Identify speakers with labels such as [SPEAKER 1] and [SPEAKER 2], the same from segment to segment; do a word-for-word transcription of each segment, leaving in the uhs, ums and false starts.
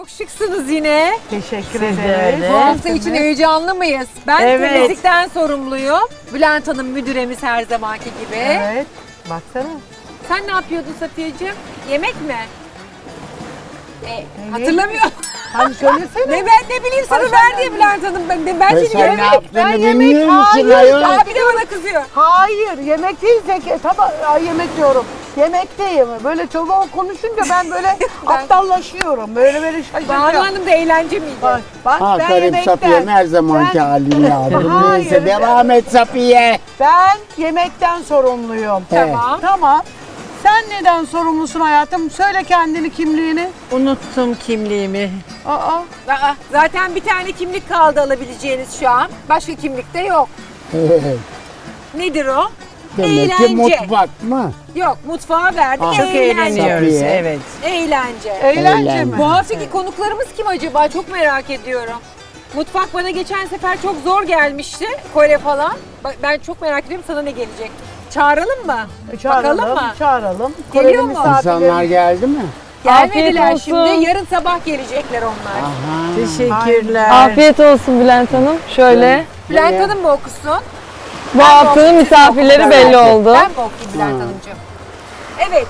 [SPEAKER 1] Çok şıksınız yine.
[SPEAKER 2] Teşekkür
[SPEAKER 3] Siz de
[SPEAKER 2] ederiz.
[SPEAKER 3] öyle.
[SPEAKER 1] Bu hafta için heyecanlı mıyız? Ben
[SPEAKER 3] Evet.
[SPEAKER 1] temizlikten sorumluyum. Bülent Hanım müdüremiz her zamanki gibi.
[SPEAKER 2] Evet. Baksana.
[SPEAKER 1] Sen ne yapıyordun Safiyeciğim? Yemek mi? E, hatırlamıyorum.
[SPEAKER 2] Hani söylesene.
[SPEAKER 1] ne ben ne bileyim sana
[SPEAKER 2] Ay,
[SPEAKER 1] ver
[SPEAKER 2] sen
[SPEAKER 1] diye
[SPEAKER 2] de-
[SPEAKER 1] Bülent Hanım. Ben, ben
[SPEAKER 4] Ve
[SPEAKER 1] seni
[SPEAKER 4] sen
[SPEAKER 1] yemek.
[SPEAKER 4] ne yaptığını
[SPEAKER 2] ben yemek-
[SPEAKER 4] bilmiyor musun
[SPEAKER 2] Hayır,
[SPEAKER 4] ayol?
[SPEAKER 1] Abi de bana kızıyor.
[SPEAKER 2] Hayır, yemek değil zeki. Tabii ay, yemek diyorum. Yemekteyim. Böyle çok konuşunca ben böyle aptallaşıyorum. Böyle böyle
[SPEAKER 1] Banu
[SPEAKER 2] şaşırıyorum.
[SPEAKER 1] Hanım da eğlence miydi?
[SPEAKER 2] Bak, bak
[SPEAKER 4] Ha
[SPEAKER 2] ben
[SPEAKER 4] karım
[SPEAKER 2] yemekten.
[SPEAKER 4] Safiye'm her zamanki
[SPEAKER 2] Ben-
[SPEAKER 4] halini aldım.
[SPEAKER 2] Hayır.
[SPEAKER 4] Neyse devam et Safiye.
[SPEAKER 2] Ben yemekten sorumluyum.
[SPEAKER 1] Tamam.
[SPEAKER 2] Tamam. Sen neden sorumlusun hayatım? Söyle kendini, kimliğini.
[SPEAKER 3] Unuttum kimliğimi.
[SPEAKER 2] Aa,
[SPEAKER 1] Aa, zaten bir tane kimlik kaldı alabileceğiniz şu an. Başka kimlik de yok. Nedir o?
[SPEAKER 4] Demek ki
[SPEAKER 1] Eğlence.
[SPEAKER 4] mutfak mı?
[SPEAKER 1] Yok, mutfağa verdik.
[SPEAKER 4] Aa.
[SPEAKER 3] Çok
[SPEAKER 1] eğlence.
[SPEAKER 3] eğleniyoruz,
[SPEAKER 4] Safiye.
[SPEAKER 3] evet.
[SPEAKER 1] Eğlence.
[SPEAKER 2] eğlence
[SPEAKER 4] Eğlence.
[SPEAKER 2] mi?
[SPEAKER 1] Bu haftaki konuklarımız kim acaba? Çok merak ediyorum. Mutfak bana geçen sefer çok zor gelmişti. Kore falan. Bak, ben çok merak ediyorum sana ne gelecek. Çağıralım mı?
[SPEAKER 2] Çağıralım,
[SPEAKER 1] Bakalım mı?
[SPEAKER 2] çağıralım.
[SPEAKER 1] Geliyor
[SPEAKER 2] Koreli
[SPEAKER 1] mu?
[SPEAKER 2] misafirlerimiz-
[SPEAKER 4] İnsanlar geldi mi?
[SPEAKER 1] Gelmediler
[SPEAKER 5] Afiyet
[SPEAKER 1] şimdi.
[SPEAKER 5] olsun.
[SPEAKER 1] Yarın sabah gelecekler onlar.
[SPEAKER 4] Aha.
[SPEAKER 3] Teşekkürler.
[SPEAKER 5] Afiyet olsun Bülent Hanım. Şöyle
[SPEAKER 1] Bülent
[SPEAKER 4] Ne?
[SPEAKER 1] Hanım mı okusun?
[SPEAKER 5] bu
[SPEAKER 1] Ben
[SPEAKER 5] haftanın
[SPEAKER 1] okuyayım,
[SPEAKER 5] misafirleri
[SPEAKER 1] siz
[SPEAKER 5] belli
[SPEAKER 1] okuyun.
[SPEAKER 5] oldu.
[SPEAKER 1] Ben mi okuyayım Bülent
[SPEAKER 4] Ha.
[SPEAKER 1] Hanımcığım? Evet.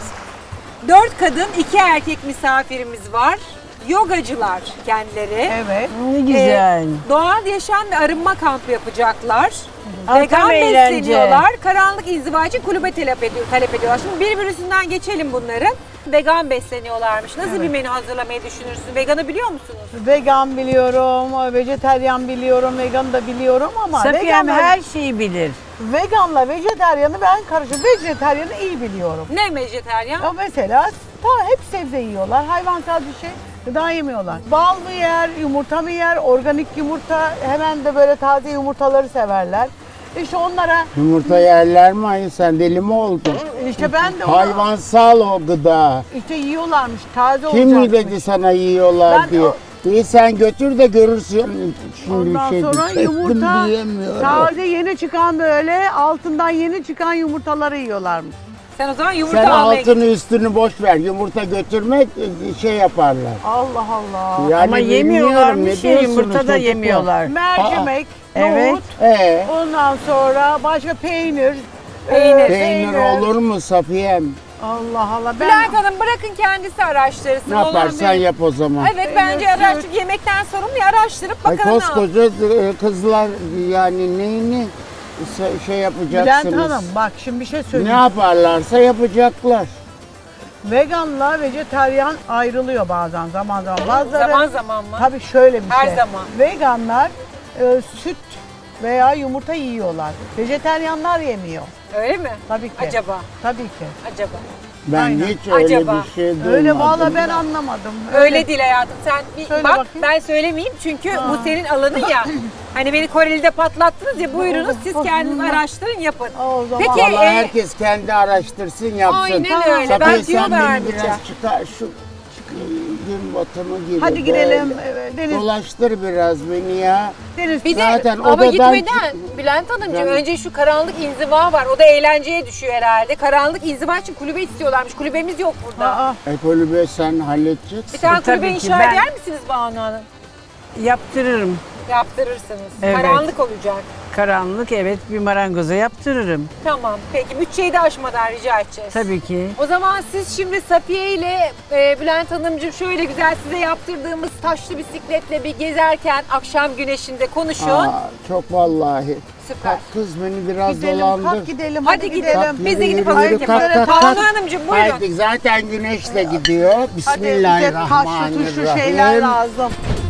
[SPEAKER 1] Dört kadın, iki erkek misafirimiz var. Yogacılar kendileri.
[SPEAKER 2] Evet.
[SPEAKER 3] Ne güzel.
[SPEAKER 1] Ee, doğal yaşam ve arınma kampı yapacaklar.
[SPEAKER 3] Aa,
[SPEAKER 1] Vegan
[SPEAKER 3] tam eğlence.
[SPEAKER 1] besleniyorlar. Karanlık inziva için kulübe talep, ediyor, talep ediyorlar. Şimdi bir birisinden geçelim bunların. Vegan besleniyorlarmış. Nasıl bir menü hazırlamayı düşünürsün? Veganı biliyor musunuz?
[SPEAKER 2] Vegan biliyorum, vejeteryan biliyorum, vegan da biliyorum ama
[SPEAKER 3] Safiyem
[SPEAKER 2] veganla,
[SPEAKER 3] her şeyi bilir.
[SPEAKER 2] veganla vejeteryanı ben karışım. Vejeteryanı iyi biliyorum.
[SPEAKER 1] Ne vejeteryan?
[SPEAKER 2] Ya mesela ta hep sebze yiyorlar, hayvansal bir şey gıda yemiyorlar. Bal mı yer, yumurta mı yer, organik yumurta, hemen de böyle taze yumurtaları severler. İşte onlara,
[SPEAKER 4] Yumurta yerler mi? Ay sen deli mi oldun?
[SPEAKER 2] işte ben de onu,
[SPEAKER 4] Hayvansal o gıda.
[SPEAKER 2] işte yiyorlarmış, taze
[SPEAKER 4] Kim mi
[SPEAKER 2] olacakmış.
[SPEAKER 4] dedi sana yiyorlar
[SPEAKER 2] Ben
[SPEAKER 4] diye?
[SPEAKER 2] o-
[SPEAKER 4] İyi sen götür de görürsün. Şimdi
[SPEAKER 2] Ondan
[SPEAKER 4] bir şey
[SPEAKER 2] sonra
[SPEAKER 4] diyecektim,
[SPEAKER 2] yumurta,
[SPEAKER 4] diyemiyorum.
[SPEAKER 2] taze yeni çıkan böyle altından yeni çıkan yumurtaları yiyorlarmış.
[SPEAKER 1] Sen o zaman yumurta
[SPEAKER 4] Sen
[SPEAKER 1] almaya git.
[SPEAKER 4] altını üstünü boş ver. Yumurta götürmek şey yaparlar.
[SPEAKER 2] Allah Allah.
[SPEAKER 4] Yani
[SPEAKER 3] Ama
[SPEAKER 4] bilmiyorum,
[SPEAKER 3] yemiyorlarmış
[SPEAKER 4] ne
[SPEAKER 3] ya,
[SPEAKER 4] diyorsunuz
[SPEAKER 3] yumurta da
[SPEAKER 4] çocuklar?
[SPEAKER 3] yemiyorlar.
[SPEAKER 2] Mercimek,
[SPEAKER 3] Evet.
[SPEAKER 2] nohut,
[SPEAKER 4] Ee,
[SPEAKER 2] ondan sonra başka peynir.
[SPEAKER 1] Peynir.
[SPEAKER 2] e,
[SPEAKER 4] peynir olur mu Safiyem?
[SPEAKER 2] Allah Allah. Ben
[SPEAKER 1] Bülent Hanım bırakın kendisi araştırsın.
[SPEAKER 4] Ne
[SPEAKER 1] Olan
[SPEAKER 4] yaparsan
[SPEAKER 1] bir-
[SPEAKER 4] yap o zaman.
[SPEAKER 1] Evet bence araştır. Yemekten sorumlu ya, araştırıp
[SPEAKER 4] Ay
[SPEAKER 1] bakalım ne yap-
[SPEAKER 4] koskoca e, kızlar yani neyini se- şey yapacaksınız.
[SPEAKER 2] Bülent Hanım bak şimdi bir şey
[SPEAKER 4] Ne
[SPEAKER 2] söyleyeyim.
[SPEAKER 4] yaparlarsa yapacaklar.
[SPEAKER 2] Veganla vejetaryen ayrılıyor bazen zaman zaman. Bazıları
[SPEAKER 1] Zaman zaman mı?
[SPEAKER 2] tabii şöyle bir
[SPEAKER 1] Her
[SPEAKER 2] şey.
[SPEAKER 1] zaman.
[SPEAKER 2] Veganlar e, süt veya yumurta yiyorlar. Vejeteryanlar yemiyor.
[SPEAKER 1] Öyle mi?
[SPEAKER 2] Tabii ki.
[SPEAKER 1] Acaba,
[SPEAKER 2] Tabii ki.
[SPEAKER 1] acaba.
[SPEAKER 4] Ben
[SPEAKER 2] Aynen.
[SPEAKER 4] hiç öyle
[SPEAKER 1] Acaba.
[SPEAKER 4] bir şey duymadım.
[SPEAKER 2] Öyle valla ben anlamadım.
[SPEAKER 1] Öyle değil hayatım. Sen bir
[SPEAKER 2] Söyle
[SPEAKER 1] bak,
[SPEAKER 2] bakayım.
[SPEAKER 1] ben söylemeyeyim çünkü bu senin alanın ya. Hani beni Koreli'de patlattınız ya, buyurunuz siz kendiniz araştırın, yapın.
[SPEAKER 2] O zaman
[SPEAKER 1] Peki,
[SPEAKER 4] Vallahi
[SPEAKER 1] e,
[SPEAKER 4] herkes kendi araştırsın yapsın.
[SPEAKER 1] Aynen öyle.
[SPEAKER 4] Safiye,
[SPEAKER 1] Ben tüyo
[SPEAKER 4] sen beni
[SPEAKER 1] vermeyeceğim.
[SPEAKER 4] biraz çıkar şu çık- gün batımı gibi.
[SPEAKER 2] hadi gidelim
[SPEAKER 4] böyle.
[SPEAKER 2] e, Deniz.
[SPEAKER 4] Dolaştır biraz beni ya.
[SPEAKER 2] Deniz.
[SPEAKER 1] Bir de
[SPEAKER 4] Zaten
[SPEAKER 1] ama
[SPEAKER 4] odadan
[SPEAKER 1] gitmeden Bülent Hanımcığım
[SPEAKER 4] Ben-
[SPEAKER 1] önce şu karanlık inziva var. O da eğlenceye düşüyor herhalde. Karanlık inziva için kulübe istiyorlarmış. Kulübemiz yok burada.
[SPEAKER 2] Aa,
[SPEAKER 4] Ekolübe sen halledeceksin.
[SPEAKER 1] Bir tane
[SPEAKER 3] E, tabii
[SPEAKER 1] kulübe
[SPEAKER 3] ki
[SPEAKER 1] inşa
[SPEAKER 3] ben-
[SPEAKER 1] eder misiniz Banu Hanım?
[SPEAKER 3] Yaptırırım.
[SPEAKER 1] Yaptırırsınız.
[SPEAKER 3] Evet.
[SPEAKER 1] Karanlık olacak.
[SPEAKER 3] Karanlık, evet, bir marangoza yaptırırım.
[SPEAKER 1] Tamam. Peki bütçeyi de aşmadan rica edeceğiz.
[SPEAKER 3] Tabii ki.
[SPEAKER 1] O zaman siz şimdi Safiye ile e, Bülent Hanımcığım şöyle güzel size yaptırdığımız taşlı bisikletle bir gezerken akşam güneşinde konuşun.
[SPEAKER 4] Aa, çok vallahi.
[SPEAKER 1] Süper.
[SPEAKER 4] Kalk kız beni biraz
[SPEAKER 2] gidelim,
[SPEAKER 4] dolandır.
[SPEAKER 2] kalk gidelim,
[SPEAKER 1] Hadi
[SPEAKER 2] hadi,
[SPEAKER 1] gidelim.
[SPEAKER 2] gidelim.
[SPEAKER 1] Biz de
[SPEAKER 4] Yürü,
[SPEAKER 1] gidip
[SPEAKER 4] yürü,
[SPEAKER 1] hazırlık
[SPEAKER 4] yürü, kalk,
[SPEAKER 1] yaparız.
[SPEAKER 4] kalk, kalk.
[SPEAKER 1] Banu Hanımcığım buyurun.
[SPEAKER 4] Haydi zaten güneş de gidiyor.
[SPEAKER 2] Hadi bize taşlı tuşlu şeyler
[SPEAKER 4] Bismillahirrahmanirrahim.
[SPEAKER 2] lazım.